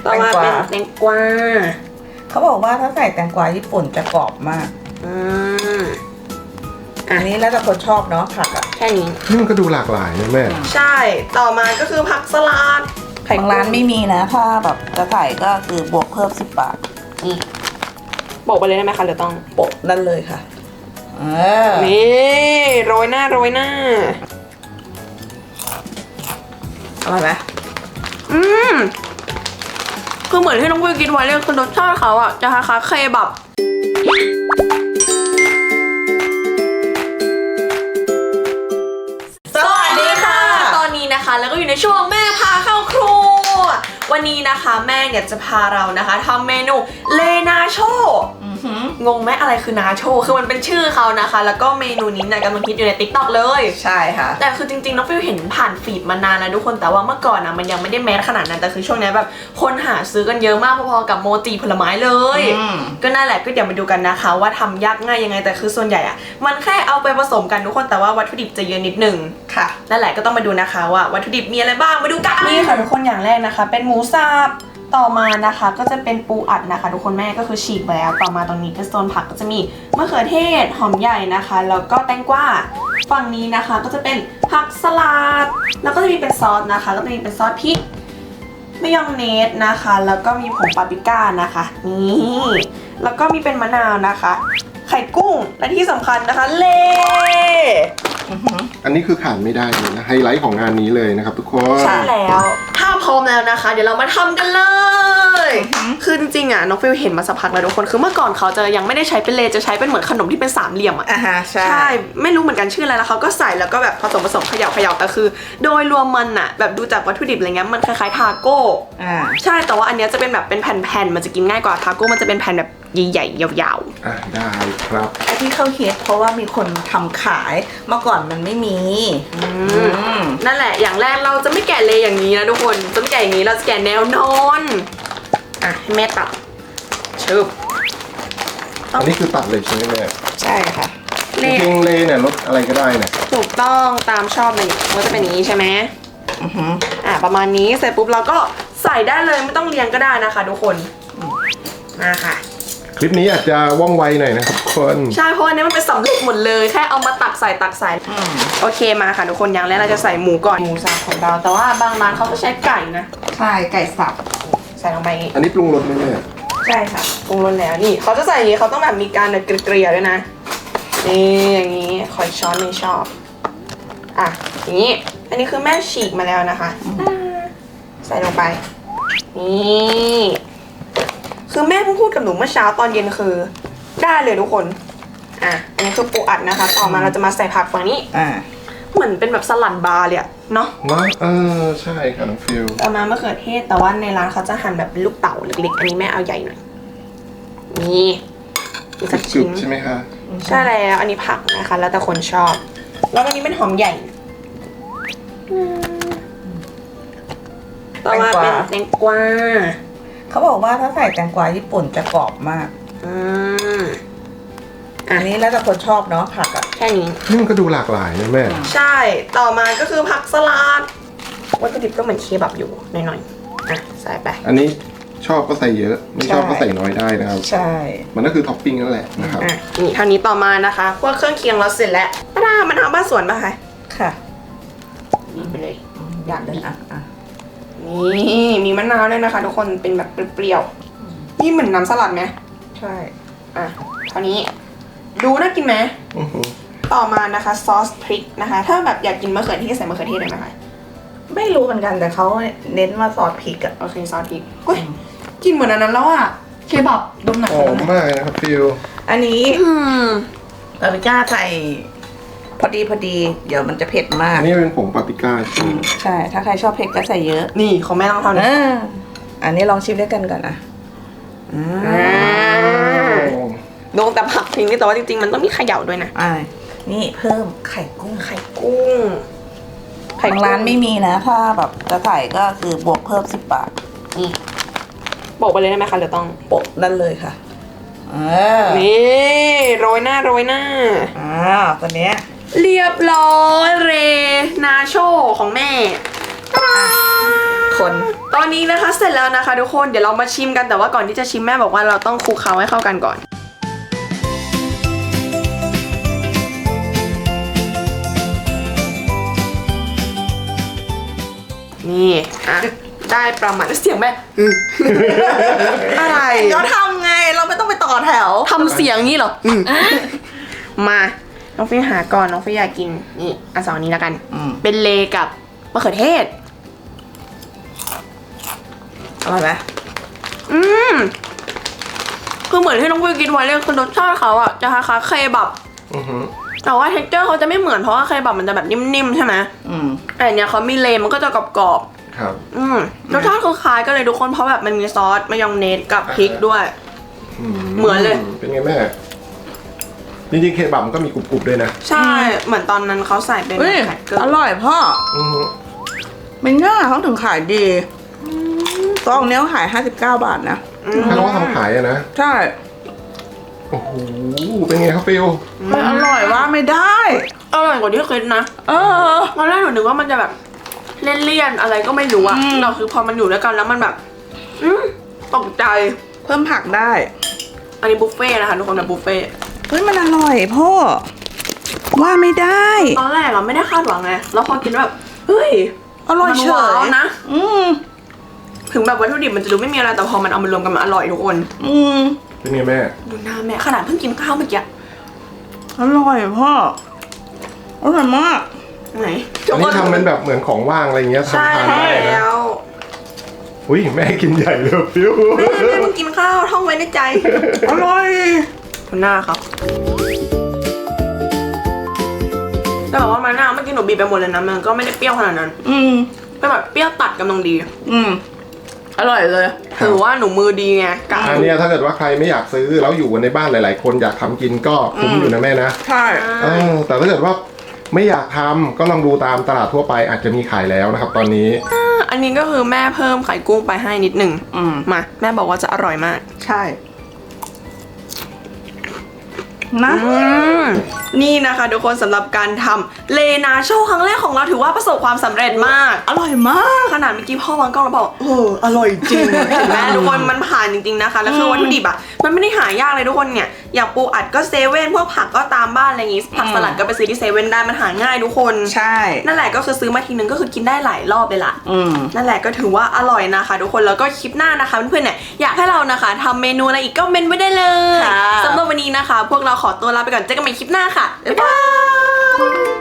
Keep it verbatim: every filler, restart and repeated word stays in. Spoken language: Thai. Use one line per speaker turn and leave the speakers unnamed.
ต่อมาเป็นแตงกวา
เขาบอกว่าถ้าใส่แตงกวาญี่ปุ่นจะกรอบมาก
อืม
อันนี้แล้วแต่คนชอบเนาะผักอ่ะ
แค่นี้
นี่มันก็ดูหลากหลายนะแม่
ใช่ต่อมาก็คือผักสลัด
ทางร้านไม่มีนะถ้าแบบจะใส่ก็คือบวกเพิ่มสิบบาท
นี่โปะไปเลยได้ไหมคะหรือต้อง
โปะนั่นเลยค่ะเออ
นี่โรยหน้าโรยหน้า
อร่อยไหม
อืมคือเหมือนที่น้องวิวกินไว้เลยคือรสชาติเขาอะจะคล้ายๆเคบับ
สวัสดีค่ะ
ตอนนี้นะคะแล้วก็อยู่ในช่วงแม่พาเข้าครัววันนี้นะคะแม่เนี่ยจะพาเรานะคะทำเมนูเลนาโชงงไหมอะไรคือนาโชคือมันเป็นชื่อเขานะคะแล้วก็เมนูนี้เนี่ยกำลังฮิตอยู่ใน ติ๊กต็อก เลย
ใช่ค่ะ
แต่คือจริงๆน้องฟิวเห็นผ่านฟีดมานานแล้วทุกคนแต่ว่าเมื่อก่อนนะมันยังไม่ได้แมสขนาดนั้นแต่คือช่วงนี้แบบคนหาซื้อกันเยอะมากพอๆกับโมจิผลไม้เลยก็นั่นแหละก็เดี๋ยวมาดูกันนะคะว่าทำยากง่ายยังไงแต่คือส่วนใหญ่อะมันแค่เอาไปผสมกันทุกคนแต่ว่าวัตถุดิบจะเยอะนิดนึง
ค่ะ
นั่นแหละก็ต้องมาดูนะคะว่าวัตถุดิบมีอะไรบ้างมาดูกันนี่ค่ะทุกคนอย่างแรกนะคะเป็นหมูสับต่อมานะคะก็จะเป็นปูอัดนะคะทุกคนแม่ก็คือฉีกแล้วต่อมาตรงนี้เป็นโซนผักก็จะมีมะเขือเทศหอมใหญ่นะคะแล้วก็แตงกวาฝั่งนี้นะคะก็จะเป็นผักสลัดแล้วก็จะมีเป็นซอสนะคะแล้วก็จะมีเป็นซอสพริกมายองเนสนะคะแล้วก็มีผงปาปริก้านะคะนี่แล้วก็มีเป็นมะนาวนะคะไข่กุ้งและที่สำคัญนะคะเล่
อันนี้คือขาดไม่ได้เลยนะไฮไลท์ของงานนี้เลยนะครับทุกคน
ใช่แล้วถ้าพร้อมแล้วนะคะเดี๋ยวเรามาทำกันเลยคือจริงๆอ่ะน้องฟิวเห็นมาสักพักแล้วทุกคนคือเมื่อก่อนเขาจะยังไม่ได้ใช้เป็นเลจะใช้เป็นเหมือนขนมที่เป็นสามเหลี่ยมอ่ะ
อ่าฮะใช่
ใช่ไม่รู้เหมือนกันชื่ออะไรแล้วเขาก็ใส่แล้วก็แบบผสมผสมเขย่าเขย่าแต่คือโดยรวมมันอ่ะแบบดูจากวัตถุดิบอะไรเงี้ยมันคล้ายๆทาโก้
อ่า
ใช่แต่ว่าอันนี้จะเป็นแบบเป็นแผ่นๆมันจะกินง่ายกว่าทาโก้มันจะเป็นแผ่นแบบใหญ่ๆยาว
ๆอ่าได้ครับ
ไอที่เข้าฮิตเพราะว่ามีคนทำขายเมื่อก่อนมันไม่มี
นั่นแหละอย่างแรกเราจะไม่แกะเลยอย่างนี้นะทุกคนจะไม่แกะอย่างนี้เราจะแกะแนวนอนอ่ะให้แม่ตัดชึบ
อันนี้คือตัดเลยใช่ไหมแม่
ใช่ค่ะ
จริงๆเลยเนี่ยรสอะไรก็ได้เนี่ย
ถูกต้องตามชอบเลยมันจะเป็นอย่างนี้ใช่ไหมอือฮึอ่ะประมาณนี้เสร็จปุ๊บเราก็ใส่ได้เลยไม่ต้องเรียงก็ได้นะคะทุกคนมาค่ะ
คลิปนี้อาจจะว่องไวหน่อยนะครับทุกคน
ใช่เพราะอันนี้มันเป็นสำเร็จหมดเลยแค่เอามาตักใส่ตักใส่โอเคมาค่ะทุกคนอย่างแรกเราจะใส่หมูก่อนหมูสับของเราแต่ว่าบางร้านเขาก็ใช้ไก่นะ
ใช่ไก่สับ
ใส่ลงไป
อันนี้ปรุงรสไหมเนี่ย
ใช่ค่ะปรุงรสแล้วนี่เขาจะใส่อย่างนี้เขาต้องแบบมีการเกลี่ยด้วยนะนี่อย่างนี้ขอช้อนไม่ชอบอ่ะอย่างนี้อันนี้คือแม่ฉีกมาแล้วนะคะใส่ลงไปนี่คือแม่เพิ่งพูดกับหนูเมื่อเช้าตอนเย็นคือได้เลยทุกคนอ่ะอันนี้คือปูอัดนะคะต่อมาเราจะมาใส่ผักฝั่งนี้
อ่า
เหมือนเป็นแบบสลัดบาร์เลยอะเนาะ
เนาะเออใช่ค่ะน้องฟิว
ต่อมามะเขือเทศแต่ว่าในร้านเขาจะหั่นแบบเป็นลูกเต๋าเล็กๆอันนี้แม่เอาใหญ่หน่อยนี่อีกสักชิ้น
ใช่ไหมคะ
ใช่แล้วอันนี้ผักนะคะแล้วแต่คนชอบแล้วอันนี้เป็นหอมใหญ่ต่อมาเป็นแตงกวา
เขาบอกว่าถ้าใส่แตงกวาญี่ปุ่นจะกรอบมาก
อืม
อันนี้แล้วแต่คนชอบเนาะผักอ่ะ
แค่นี้
นี่มันก็ดูหลากหลายนะแม่
ใช่ต่อมาก็คือผักสลัดวัตถุดิบก็เหมือนเคบับอยู่หน่อยๆอ่ะใส่ไป
อันนี้ชอบก็ใส่เยอะไม่ชอบก็ใส่น้อยได้นะครับ
ใช่
มันก็คือท็อปปิ้งนั่นแหละนะครับ
อ่ะนี่เท่านี้ต่อมานะคะพวกเครื่องเคียงเราเสร็จแล้วป้าดามันทำบ้านสวนป่ะคะ
ค่ะ
นี่ไปเลย
อยากเลยอ่ะอ่ะ
นี่มีมะนาวด้วยนะคะทุกคนเป็นแบบเปรี้ยวๆนี่เหมือนน้ำสลัดไหม
ใช่
อ่ะเท่านี้ดูน่ากินไหมต่อมานะคะซอสพริกนะคะถ้าแบบอยากกินมะเขือเทศใส่มะเขือเทศได้ไหมคะ
ไม่รู้เหมือนกันแต่เขาเน้นมาซอสพริกอะ
โอเคซอสพริกเฮ้ยกินเหมือนอันนั้นแล้วอะเคบับดมหนัก
หอมมากนะครับฟิว
อันนี้ปาปริก้าใส่พอดีพอดีเดี๋ยวมันจะเผ็ดมาก
อันนี้เป็นผงปาปริก้าใช่
ใช่ถ้าใครชอบเผ็ดก็ใส่เยอะ
นี่ของแม่ต้องทำนะ
อันนี้ลองชิมด้วยกันก่อนนะ
โดนแต่ผักทิ้งนี่แต่ว่าจริงๆมันต้องมีเขย่าด้วยนะ
อ่านี่เพิ่มไข่กุ้ง
ไข่กุ้ง
ไข่ร้านไม่มีนะถ้าแบบจะใส่ก็คือบวกเพิ่มสิบบาท
นี่โปะไปเลยได้ไหมคะหรือต้อง
โปะนั่นเลยค่ะ
นี่โรยหน้าโรยหน้า
อ่าตอนนี้
เรียบร้อยเรนาโชของแม่
ขคน
ตอนนี้นะคะเสร็จแล้วนะคะทุกคนเดี๋ยวเรามาชิมกันแต่ว่าก่อนที่จะชิมแม่บอกว่าเราต้องคลุกเคล้าให้เข้ากันก่อนนี่อ่ะได้ประมาณเสียงแม่อืมอะไร
เราทำไงเราไม่ต้องไปต่อแถว
ทำเสียงนี่เหรออืมมาน้องฟิวหาก่อนน้องฟิวอยากกินนี่อันสองนี้แล้วกัน
อืม
เป็นเลกับมะเขือเทศ
อร่อยไหม
อืมคือเหมือนที่น้องฟิวกินไว้เลยคือรสชาติเขาอะจะคล้ายๆเคบับ
อือฮึ
แต่ว่าเท็กเจอร์เขาจะไม่เหมือนเพราะว่าเคบับมันจะแบบนิ่มๆใช่ไหม
อืม
แต่อันเนี้ยเขามีเลมันก็จะกรอบ
ครับ
ๆอืมรสชาติคล้ายๆกันเลยทุกคนเพราะแบบมันมีซอสมายองเนสกับพริกด้วย เหมือนเลย
เป็นไงแม่จริงๆเคบับมันก็มีกรุบๆด้วยนะ
ใช่ เหมือนตอนนั้นเขาใส่เป็น
เฮ้ย
ไข่เกลือ
อร่อยพ่อ
อือฮึ
ไม่ง่าเขาถึงขายดีซองเนี้ยเขาขายห้าสิบเก้าบาทนะ
อืม
ถ้าเขาทำขายอะนะ
ใช่
โอ้โหเป็นไงครับฟิล
มันอร่อยว่าไม่ได้
อร่อยกว่าที่คิดนะ
เออ
ตอนแรกหนูนึกว่ามันจะแบบเลี่ยนๆอะไรก็ไม่รู้อะ
อืม
เราคือพอมันอยู่ด้วยกันแล้วมันแบบ อืมตกใจ
เพิ่มผักได้
อันนี้บุฟเฟ่ต์นะคะทุกคนนะบุฟเฟ่ต์
เฮ้ยมันอร่อยพ่อ ว่าไม่ได้
ตอนแรกเราไม่ได้คาดหวังไงแล้วพอกินแล้วแบบเฮ้ย
อร่อยเฉ
มันว้าวย นะ
อืม
ถึงแบบวัตถุดิบมันจะดูไม่มีอะไรแต่พอมันเอามารวมกันมันอร่อยทุกคน
อืม
เป็นไงแม่
ดูหน้าแม่ขนาดเพิ่งกินข้าวเมื่อกี้
อร่อยพ่อ อร่อยมาก
ไหน
อันนี้ทำเป็นแบบเหมือนของว่างอะไรเงี้ย
ใช่
ทำทานได้นะ
แล้ว
อุ้ยแม่กินใหญ่เลยฟิล
แม่แม่มึงกินข้าวท่องไว้ในใจ
อร่อย
ดูหน้าครับแต่บอกว่ามันหน้าเมื่อกี้หนูบีบไปหมดเลยนะมันก็ไม่ได้เปรี้ยวขนาดนั้น
อืม
เป็นแบบเปรี้ยวตัดกำลังดี
อืม อร่อยเลย
ถือว่าหนูมือดีไงกะ
อันเนี้ยถ้าเกิดว่าใครไม่อยากซื้อแล้วอยู่กันในบ้านหลาย ๆ คนอยากทำกินก็คุ้มอยู่นะแม่นะ
ใช่
เออแต่ถ้าเกิดว่าไม่อยากทำก็ลองดูตามตลาดทั่วไปอาจจะมีขายแล้วนะครับ ตอนนี้
อันนี้ก็คือแม่เพิ่มไข่กุ้งไปให้นิดหนึ่ง
อืม
มาแม่บอกว่าจะอร่อยมาก
ใช่ นะ
อืมนี่นะคะทุกคนสำหรับการทำเลนาโชครั้งแรกของเราถือว่าประสบความสำเร็จมาก
อร่อยมาก
ขนาดเมื่อกี้พ่อวางกล้องแล้วบอกเอออร่อยจริงเห็นไหมทุกคนมันผ่านจริงๆนะคะแล้วคือวัตถุดิบอ่ะมันไม่ได้หายากเลยทุกคนเนี่ยอย่างปูอัดก็เซเว่นพวกผักก็ตามบ้านอะไรอย่างงี้ผักสลัดก็ไปซื้อที่เซเว่นได้มันหาง่ายทุกคน
ใช่
นั่นแหละก็คือซื้อมาทีนึงก็คือกินได้หลายรอบเลยล่ะ
อืม
นั่นแหละก็ถือว่าอร่อยนะคะทุกคนแล้วก็คลิปหน้านะคะเพื่อนๆเนี่ยอยากให้เรานะคะทำเมนูอะไรอีกก็เมนไว้ได้เลย
ค่ะ
สำหรับวันนี้นะคะ พวกเราขอตัวลาไปก่อนเจอกันใหม่คลิปหน้าค่ะบ๊ายบาย